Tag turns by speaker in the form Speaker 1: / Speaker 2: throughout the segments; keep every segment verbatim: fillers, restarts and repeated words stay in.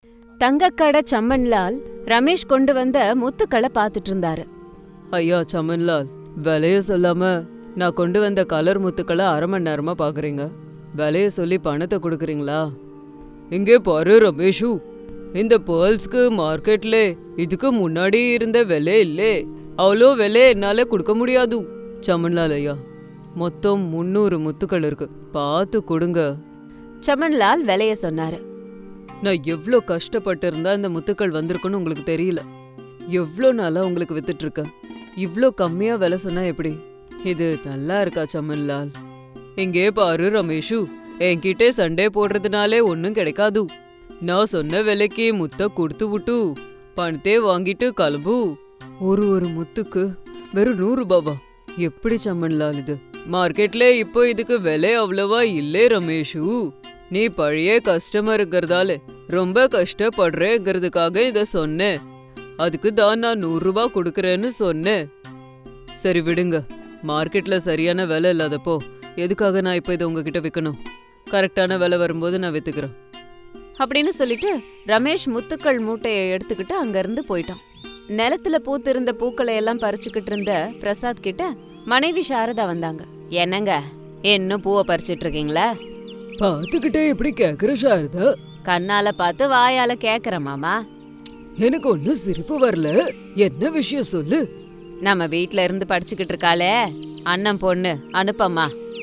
Speaker 1: தங்கக்கடை சம்மன்லால் ரமேஷ் கொண்டு வந்த முத்துக்களை பாத்துட்டு இருந்தாரு.
Speaker 2: ஐயா சமன்லால், விலைய சொல்லாம நான் கொண்டு வந்த கலர் முத்துக்களை அரை மணி நேரமா பாக்குறீங்க. விலைய சொல்லி பணத்தை கொடுக்குறீங்களா? இங்கே பாரு ரமேஷு, இந்த பேர்ல்ஸ்க்கு மார்க்கெட்ல இதுக்கு முன்னாடி இருந்த விலை இல்லே, அவ்வளோ விலை என்னால கொடுக்க முடியாது. சமன்லால் ஐயா, மொத்தம் முன்னூறு முத்துக்கள் இருக்கு, பார்த்து கொடுங்க.
Speaker 1: சமன்லால் விலைய சொன்னாரு.
Speaker 2: நான் எவ்வளோ கஷ்டப்பட்டு இருந்தா இந்த முத்துக்கள் வந்திருக்குன்னு உங்களுக்கு தெரியல. எவ்வளோ நாளா உங்களுக்கு வித்துட்டு இருக்கேன். இவ்ளோ கம்மியா விலை சொன்னா எப்படி? இது நல்லா இருக்கா சமன்லால்? இங்கே பாரு ரமேஷு, என்கிட்ட சண்டே போடுறதுனாலே ஒன்னும் கிடைக்காது. நான் சொன்ன விலைக்கு முத்த கொடுத்து விட்டு பணத்தே வாங்கிட்டு கிளம்பு. ஒரு ஒரு முத்துக்கு வெறும் நூறு ரூபாவா? எப்படி சமன்லால் இது? மார்க்கெட்ல இப்போ இதுக்கு விலை அவ்வளவா இல்லே ரமேஷு. நீ பழைய கஸ்டமருங்கிறதால ரொம்ப கஷ்டப்படுறேங்கிறதுக்காக இத சொன்னேன். அதுக்கு தான் நான் நூறு ரூபாய் கொடுக்கறேன்னு சொன்னேன். சரி விடுங்க, மார்க்கெட்ல சரியான விலை இல்லாதப்போ எதுக்காக நான் இப்ப இதை உங்ககிட்ட விற்கணும்? கரெக்டான விலை வரும்போது நான் வித்துக்கிறேன்
Speaker 1: அப்படின்னு சொல்லிட்டு ரமேஷ் முத்துக்கள் மூட்டையை எடுத்துக்கிட்டு அங்க இருந்து போயிட்டான். நிலத்துல பூத்திருந்த பூக்களை எல்லாம் பறிச்சுக்கிட்டு இருந்த பிரசாத் கிட்ட மனைவி சாரதா வந்தாங்க. என்னங்க, இன்னும் பூவை பறிச்சிட்டு இருக்கீங்களா?
Speaker 2: பாத்துக்கிட்டே எப்படி கேக்குற சாரதா?
Speaker 1: கண்ணால பார்த்து வாயால கேக்குற மாமா.
Speaker 2: எனக்கு ஒன்னும் சிரிப்பு வரல, என்ன விஷயம் சொல்லு.
Speaker 1: நம்ம வீட்ல இருந்து படிச்சுக்கிட்டு இருக்காளே அண்ணன் பொண்ணு அனுப்பம்மா.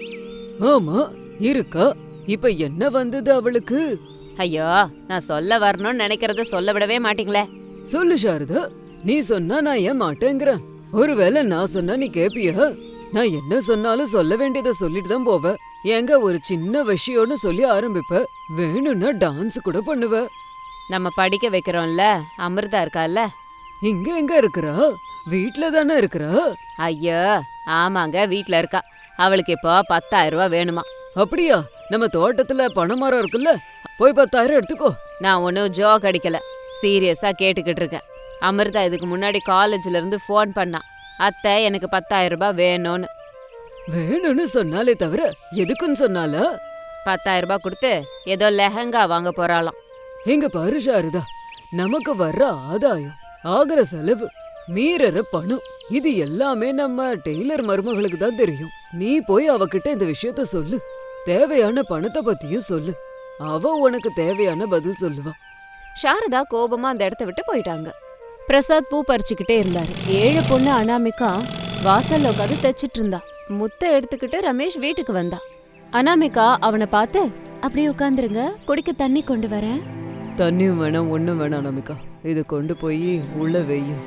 Speaker 2: ஆமா இருக்கா, இப்ப என்ன வந்தது அவளுக்கு?
Speaker 1: ஐயோ, நான் சொல்ல வரணும்னு நினைக்கிறத சொல்ல விடவே மாட்டீங்களே.
Speaker 2: சொல்லு சாரதா, நீ சொன்னா நான் ஏன் மாட்டேங்கிறேன். ஒருவேளை நான் சொன்னா நீ கேப்பியா? நான் என்ன சொன்னாலும் சொல்ல வேண்டியதை சொல்லிட்டு தான் போவ. எங்க ஒரு சின்ன விஷயம்னு சொல்லி ஆரம்பிப்ப, வேணும்னா டான்ஸ் கூட பண்ணுவ.
Speaker 1: நம்ம படிக்க வைக்கிறோம்ல, அமிர்தா இருக்கால.
Speaker 2: இங்க எங்க இருக்கிறா? வீட்ல தானே இருக்கிறா?
Speaker 1: ஐயோ ஆமாங்க, வீட்ல இருக்கா. அவளுக்கு இப்போ பத்தாயிரம் ரூபாய் வேணுமா.
Speaker 2: அப்படியா? நம்ம தோட்டத்துல பனைமரம் இருக்குல்ல, போய் பத்தாயிரம் எடுத்துக்கோ.
Speaker 1: நான் ஒன்னும் ஜோக் அடிக்கல, சீரியஸா கேட்டுக்கிட்டு இருக்கேன். அமிர்தா இதுக்கு முன்னாடி காலேஜ்ல இருந்து போன் பண்ணா, அத்தை எனக்கு பத்தாயிரம் ரூபாய் வேணும்னு.
Speaker 2: வேணும்னு சொன்னாலே தவிர எதுக்குன்னு சொன்னால?
Speaker 1: பத்தாயிரம் ரூபாய் கொடுத்து ஏதோ லெஹங்கா வாங்க போறாளாம்.
Speaker 2: எங்க பாரு சாரதா, நமக்கு வர்ற ஆதாயம், ஆகிற செலவு, மீறற பணம், இது எல்லாமே நம்ம டெய்லர் மருமகளுக்கு தான் தெரியும். நீ போய் அவகிட்ட இந்த விஷயத்த சொல்லு. தேவையான பணத்தை பத்தியும் சொல்லு. அவ உனக்கு தேவையான பதில் சொல்லுவா.
Speaker 1: சாரதா கோபமா அந்த இடத்த விட்டு போயிட்டாங்க. பிரசாத் பூ பறிச்சுக்கிட்டே இருந்தாரு. ஏழு பொண்ணு அனாமிகா வாசல்ல உட்காந்து தைச்சிட்டு இருந்தா. முத்த எடுத்துக்கிட்டு ரமேஷ் வீட்டுக்கு வந்தா. அனாமிகா அவனை பார்த்து, அப்படியே உட்காந்துருங்க, குடிக்க தண்ணி கொண்டு வரேன்.
Speaker 2: தண்ணியும் வேணாம், ஒண்ணும் வேணாம் அனாமிகா, இதை கொண்டு போய் உள்ள வெய்யும்.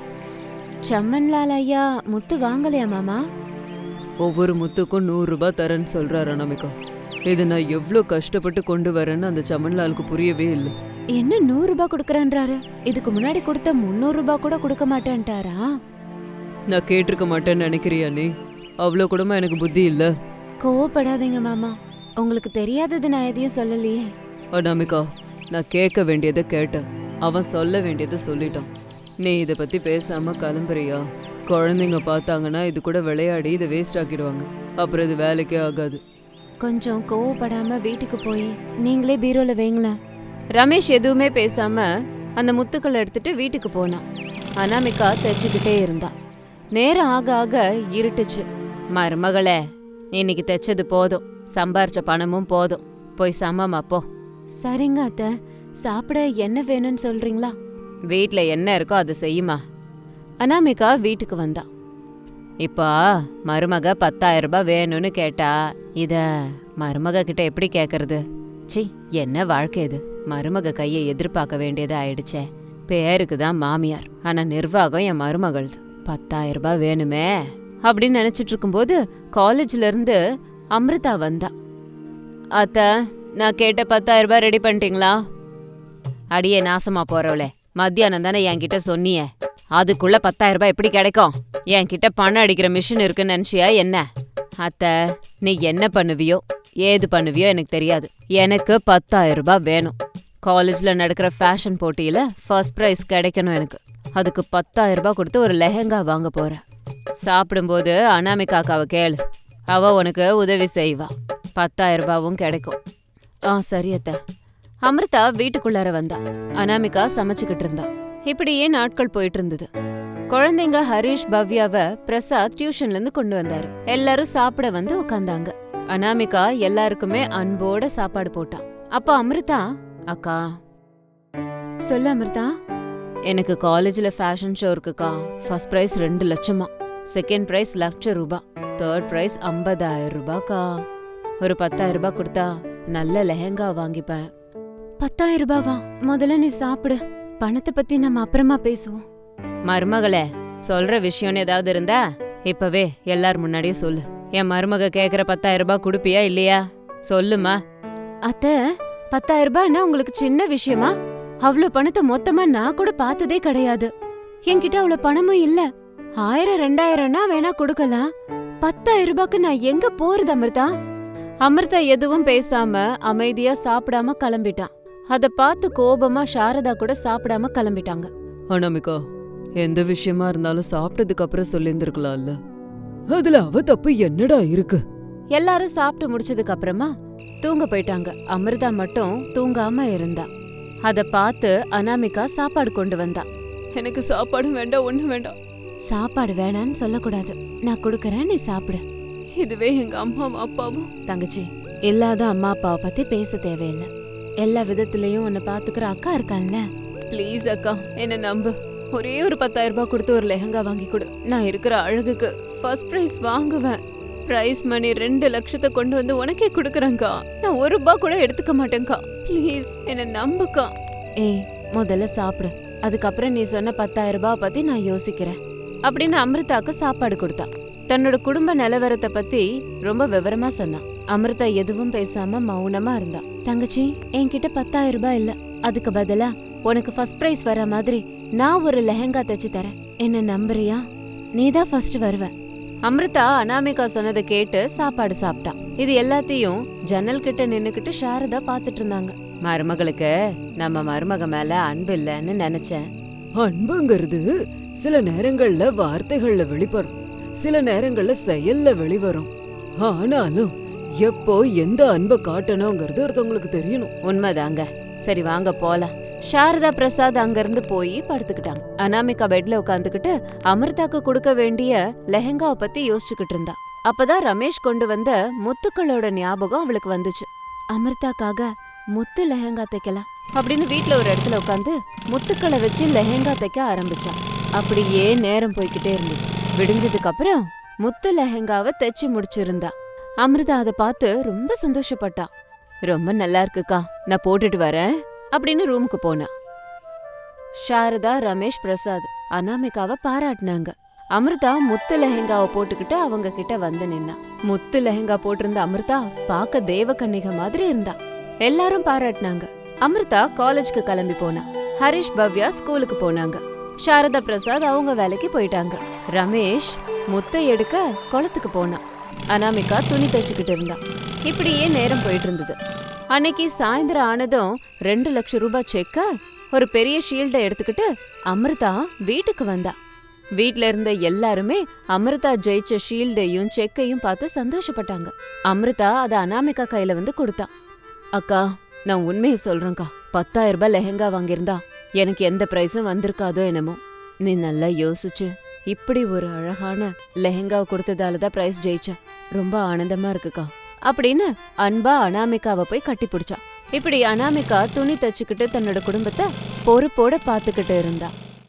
Speaker 1: சம்மன்லால் ஐயா முத்து வாங்கலையா மாமா?
Speaker 2: ஒவ்வொரு முத்துக்கும் நூறு ரூபாய் தரேன்னு சொல்றாரு அனாமிகா. இதை நான் எவ்வளோ கஷ்டப்பட்டு கொண்டு வரேன்னு அந்த சமன்லாலுக்கு புரியவே இல்லை.
Speaker 1: என்ன நூறு ரூபாய் கொடுக்கறேன்றாரு? இதுக்கு முன்னாடி கொடுத்த முன்னூறு ரூபாய் கூட கொடுக்க மாட்டேன்ட்டாரா?
Speaker 2: நான் கேட்டிருக்க மாட்டேன்னு நினைக்கிறியா நீ? அவ்வளோ கூடமா எனக்கு புத்தி இல்ல.
Speaker 1: கோவப்படாதீங்க மாமா, உங்களுக்கு தெரியாதது நான் எதையும் சொல்லலையே.
Speaker 2: அனாமிகா, நான் கேட்க வேண்டியதை கேட்டேன், அவன் சொல்ல வேண்டியதை சொல்லிட்டான். நீ இதை பத்தி பேசாம கிளம்புறியா? குழந்தைங்க பார்த்தாங்கன்னா இது கூட விளையாடி இதை வேஸ்ட் ஆக்கிடுவாங்க, அப்புறம் இது வேலைக்கே ஆகாது.
Speaker 1: கொஞ்சம் கோவப்படாம வீட்டுக்கு போய் நீங்களே பீரோல வைங்களேன். ரமேஷ் எதுவுமே பேசாம அந்த முத்துக்களை எடுத்துட்டு வீட்டுக்கு போனான். அனாமிகா தைச்சுக்கிட்டே இருந்தா. நேரம் ஆக ஆக இருட்டுச்சு. மருமகளே, இன்னைக்கு தைச்சது போதும், சம்பாரிச்ச பணமும் போதும், போய் சமமா போ. சரிங்க அத்தை, சாப்பிட என்ன வேணும்னு சொல்றீங்களா? வீட்ல என்ன இருக்கோ அதை செய்யுமா. அனாமிகா வீட்டுக்கு வந்தா. இப்பா மருமக பத்தாயிரம் ரூபாய் வேணும்னு கேட்டா, இத மருமக கிட்ட எப்படி கேக்குறது? சி, என்ன வாழ்க்கை இது? மருமக கையை எதிர்பார்க்க வேண்டியது ஆயிடுச்சே. பேருக்கு தான் மாமியார், ஆனா நிர்வாகம் என் மருமகள்து. பத்தாயிரம் ரூபாய் வேணுமே அப்படின்னு நினைச்சிட்டு இருக்கும்போது காலேஜ்ல இருந்து அமிர்தா வந்தா. அத்த, நான் கேட்ட பத்தாயிரம் ரூபாய் ரெடி பண்ணிட்டீங்களா? அடியே நாசமா போறவளே, மத்தியானம் தானே என்கிட்ட சொன்னிய, அதுக்குள்ள பத்தாயிரம் ரூபாய் எப்படி கிடைக்கும்? என்கிட்ட பணம் அடிக்கிற மிஷின் இருக்குன்னு நினைச்சியா என்ன? அத்த, நீ என்ன பண்ணுவியோ ஏது பண்ணுவியோ எனக்கு தெரியாது, எனக்கு பத்தாயிரம் ரூபாய் வேணும். காலேஜ்ல நடக்கிற ஃபேஷன் போட்டியில ஃபர்ஸ்ட் பிரைஸ் கிடைக்கணும் எனக்கு. அதுக்கு பத்தாயிரம் ரூபாய் கொடுத்து ஒரு லெஹங்கா வாங்க போறேன். சாப்பிடும்போது அனாமிகாக்காவை கேளு, அவ உனக்கு உதவி செய்வா, பத்தாயிரம் ரூபாவும் கிடைக்கும். ஆ சரி அத்த. அமிர்தா வீட்டுக்குள்ளார வந்தா. அனாமிகா சமைச்சுக்கிட்டு இருந்தா. இப்படியே நாட்கள் போயிட்டு இருந்தது. குழந்தைங்க ஹரிஷ் பவ்யாவ பிரசாத் டியூஷன்ல இருந்து கொண்டு வந்தாரு. எல்லாரும் சாப்பிட வந்து உட்கார்ந்தாங்க. அனாமிகா எல்லாருக்குமே அன்போட சாப்பாடு போட்டா. அப்ப அமிர்தா, அக்கா. சொல்ல அமிர்தா. எனக்கு காலேஜ்ல ஃபேஷன் ஷோ இருக்குக்கா. ஃபர்ஸ்ட் பிரைஸ் ரெண்டு லட்சமா, செகண்ட் பிரைஸ் லட்ச ரூபாய், தேர்ட் பிரைஸ் ஐம்பதாயிரம் ரூபாய்க்கா. ஒரு பத்தாயிரம் ரூபாய் கொடுத்தா நல்ல லெஹங்கா வாங்கிப்பேன். பத்தாயிரம் ரூபாவா? முதல்ல நீ சாப்பிடு, பணத்தை பத்தி நம்ம அப்புறமா பேசுவோம். மருமகளே, சொல்ற விஷயம்னு ஏதாவது இருந்தா இப்பவே எல்லார் முன்னாடியும் சொல்லு. என் மருமக கேக்குற பத்தாயிரம் ரூபாய் குடுப்பியா இல்லையா? சொல்லுமா. அத்த, பத்தாயிரம் ரூபாய்னா உங்களுக்கு சின்ன விஷயமா? அவ்வளவு பணத்தை மொத்தமா நான் கூட பார்த்ததே கிடையாது. என்கிட்ட அவ்வளவு பணமும் இல்ல. ஆயிரம் ரெண்டாயிரம்னா வேணா கொடுக்கலாம். பத்தாயிரம் ரூபாய்க்கு நான் எங்க போறது அமிர்தா? அமிர்தா எதுவும் பேசாம அமைதியா சாப்பிடாம கிளம்பிட்டான். அத பார்த்து கோபமா சாரதா கூட சாப்பிடாம கிளம்பிட்டாங்க.
Speaker 2: அனாமிகா, எந்த விஷயமா இருந்தாலும் சாப்பிட்டதுக்கு அப்புறம் சொல்லியிருந்திருக்கலாம்ல. அதுல அவ தப்பு என்னடா இருக்கு?
Speaker 1: எல்லாரும் சாப்பிட்டு முடிச்சதுக்கு அப்புறமா தூங்க போயிட்டாங்க. அமிர்தா மட்டும் தூங்காம இருந்தா. அத பார்த்து அனாமிகா சாப்பாடு கொண்டு வந்தா.
Speaker 2: எனக்கு சாப்பாடு வேண்டாம், ஒண்ணு வேண்டாம்.
Speaker 1: சாப்பாடு வேணான்னு சொல்லக்கூடாது, நான் கொடுக்கறேன், நீ சாப்பிடு.
Speaker 2: இதுவே எங்க அம்மாவும் அப்பாவும்.
Speaker 1: தங்கச்சி, இல்லாத அம்மா அப்பாவை பத்தி பேச தேவையில்லை. எல்லா விதத்திலயும் உன்னை பாத்துக்கிற அக்கா இருக்கான்ல.
Speaker 2: ப்ளீஸ் அக்கா, என்ன நம்பு. ஒரே ஒரு பத்தாயிரம் ரூபாய் கொடுத்து ஒரு லெஹங்கா வாங்கி கொடு. நான் இருக்கிற அழகுக்கு ஃபர்ஸ்ட் பிரைஸ் வாங்குவேன். பிரைஸ் மணி ரெண்டு லட்சத்தை கொண்டு வந்து உனக்கே கொடுக்குறேங்க்கா. நான் ஒரு ரூபாய் கூட எடுத்துக்க மாட்டேங்க்கா. ப்ளீஸ் என்ன நம்புக்கா.
Speaker 1: ஏய், முதல்ல சாப்பிடு, அதுக்கப்புறம் நீ சொன்ன பத்தாயிரம் ரூபாய் பத்தி நான் யோசிக்கிறேன் அப்படின்னு அமிர்தாக்கு சாப்பாடு கொடுத்தா. தன்னோட குடும்ப நிலவரத்தை பத்தி ரொம்ப விவரமா சொன்னா. அமிர்தா எதுவும் பேசாம மௌனமா இருந்தா. தங்கச்சி, என்கிட்ட பத்தாயிரம் ரூபாய் இல்ல. அதுக்கு பதிலா உனக்கு ஃபர்ஸ்ட் பிரைஸ் வர மாதிரி நான் ஒரு லெஹங்கா தச்சு தரேன். என்ன நம்புறியா? நீதான் ஃபர்ஸ்ட் வருவ. அமிர்தா அனாமிகா சொன்னதை கேட்டு சாப்பாடு சாப்பிட்டா. இது எல்லாத்தையும் ஜன்னல் கிட்ட நின்னுக்கிட்டு சாரதா பாத்துட்டு இருந்தாங்க. மருமகளுக்கு நம்ம மருமக மேல அன்பு இல்லன்னு நினைச்சேன்.
Speaker 2: அன்புங்கிறது சில நேரங்கள்ல வார்த்தைகள்ல வெளிப்படும், சில நேரங்கள்ல செயல்ல வெளிவரும். ஆனாலும் எப்போ எந்த அன்பை காட்டணுங்கிறது ஒருத்தவங்களுக்கு தெரியணும்.
Speaker 1: உண்மைதாங்க. சரி வாங்க போலாம். சாரதா பிரசாத் அங்கிருந்து போய் படுத்துக்கிட்டாங்க. அனாமிகா பெட்ல உட்காந்துக்கிட்டு அமிர்தாக்கு கொடுக்க வேண்டிய லெஹங்காவை பத்தி யோசிச்சுக்கிட்டு இருந்தா. அப்பதான் ரமேஷ் கொண்டு வந்த முத்துக்களோட ஞாபகம் அவளுக்கு வந்துச்சு. அமிர்தாக்காக முத்து லெஹங்கா தைக்கலாம் அப்படின்னு வீட்டுல ஒரு இடத்துல உட்காந்து முத்துக்களை வச்சு லெஹங்கா தைக்க ஆரம்பிச்சான். அப்படியே நேரம் போய்கிட்டே இருந்தது. விடிஞ்சதுக்கு அப்புறம் முத்து லெஹங்காவை தைச்சு முடிச்சிருந்தா. அமிர்தா அதை பார்த்து ரொம்ப சந்தோஷப்பட்டா. ரொம்ப நல்லா இருக்குக்கா, நான் போட்டுட்டு வரேன் அப்படின்னு ரூமுக்கு போனா. சாரதா, ரமேஷ், பிரசாத் அனாமிகாவை பாராட்டினாங்க. அமிர்தா முத்து லெஹங்காவை போட்டுக்கிட்டு அவங்க கிட்ட வந்து நின்னா. முத்து லெஹங்கா போட்டிருந்த அமிர்தா பார்க்க தேவகன்னிகை மாதிரி இருந்தா. எல்லாரும் பாராட்டினாங்க. அமிர்தா காலேஜ்க்கு கிளம்பி போனா. ஹரிஷ், பவ்யா ஸ்கூலுக்கு போனாங்க. சாரதா, பிரசாத் அவங்க வேலைக்கு போயிட்டாங்க. ரமேஷ் முத்தை எடுக்க குளத்துக்கு போனா. அனாமிகா துணி தைச்சுக்கிட்டு இருந்தா. இப்படியே நேரம் போயிட்டு இருந்தது. அன்னைக்கு சாயந்தரம் ஆனதும் ரெண்டு லட்சம் ரூபாய் செக்க ஒரு பெரிய ஷீல்டை எடுத்துக்கிட்டு அமிர்தா வீட்டுக்கு வந்தா. வீட்ல இருந்த எல்லாருமே அமிர்தா ஜெயிச்ச ஷீல்டையும் செக்கையும் பார்த்து சந்தோஷப்பட்டாங்க. அமிர்தா அதை அனாமிகா கையில வந்து கொடுத்தா. அக்கா, நான் உண்மையை சொல்றேன்க்கா, பத்தாயிரம் ரூபாய் லெஹங்கா வாங்கியிருந்தா எனக்கு எந்த பிரைஸும் வந்திருக்காதோ என்னமோ. நீ நல்லா யோசிச்சு இப்படி ஒரு அழகான லெஹங்காவை கொடுத்ததாலதான் பிரைஸ் ஜெயிச்ச. ரொம்ப ஆனந்தமா இருக்குக்கா அப்படின்னு அன்பா அனாமிகாவை போய் கட்டி பிடிச்சா. இப்படி அனாமிகா துணி தச்சுக்கிட்டு தன்னோட குடும்பத்தை பொறுப்போட பாத்துக்கிட்டு இருந்தா.